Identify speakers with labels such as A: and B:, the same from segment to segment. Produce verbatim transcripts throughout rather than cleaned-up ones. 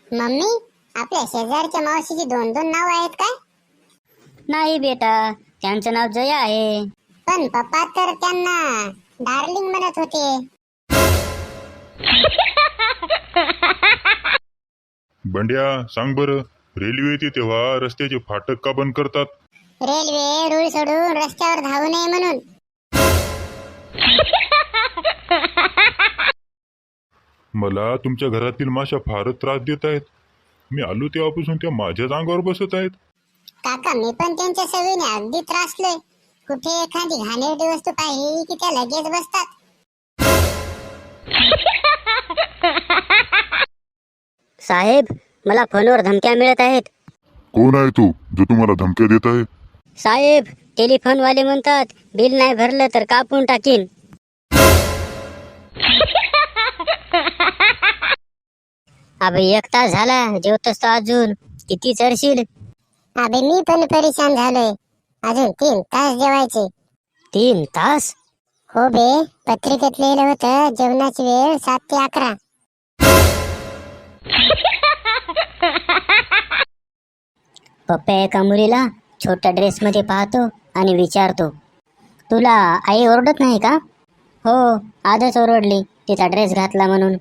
A: Mummy, आपल्या शेजारच्या मावशीची दोन दोन नाव आहेत काय?
B: नाही बेटा, त्यांचं नाव जया आहे.
A: पण पप्पा तर त्यांना डार्लिंग म्हणत होते.
C: बंड्या, सांग बरं, रेल्वे येते तेव्हा रस्त्याचे फाटक का बंद करतात?
A: रेल्वे रूळ सोडून रस्त्यावर धावू नये म्हणून.
C: मला तुमच्या घरातील माशा फारच त्रास देत आहेत. मी आलो तेव्हापासून त्या माझ्याच अंगावर बसत आहेत.
A: काका, मी पण त्यांच्या सवयीने अगदी त्रासलोय. कुठे एखादी घाणेरडी वस्तू पाहिली की त्या लगेच बसतात.
B: साहेब, मला फोनवर धमक्या मिळत आहेत.
C: कोण आहे तू जो तुम्हाला धमक्या देत आहे?
B: साहेब, टेलिफोनवाले म्हणतात बिल नाही भरलं तर कापून टाकीन. अबे, एक तास झाला जेवतोस तो अजून किती चरशील?
A: अबे, मी पण परेशान झालोय. अजून तीन तास जेवायचे.
B: तीन तास?
A: हो बे, पत्रिकेत लिहिलं होतं जेवणाची वेळ सात ते अकरा.
B: पप्पा एका मुलीला छोट्या ड्रेस मध्ये पाहतो आणि विचारतो, तुला आई ओरडत नाही का? हो, आजच ओरडली तिचा ड्रेस घातला म्हणून.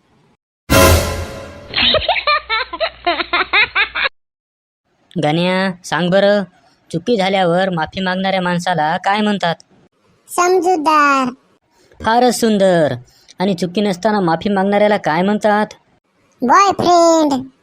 B: गण्या, सांग बरं, चुकी झाल्यावर माफी मागणाऱ्या माणसाला काय म्हणतात?
A: समजूतदार.
B: फारच सुंदर. आणि चुकी नसताना माफी मागणाऱ्याला काय म्हणतात?
A: बॉयफ्रेंड.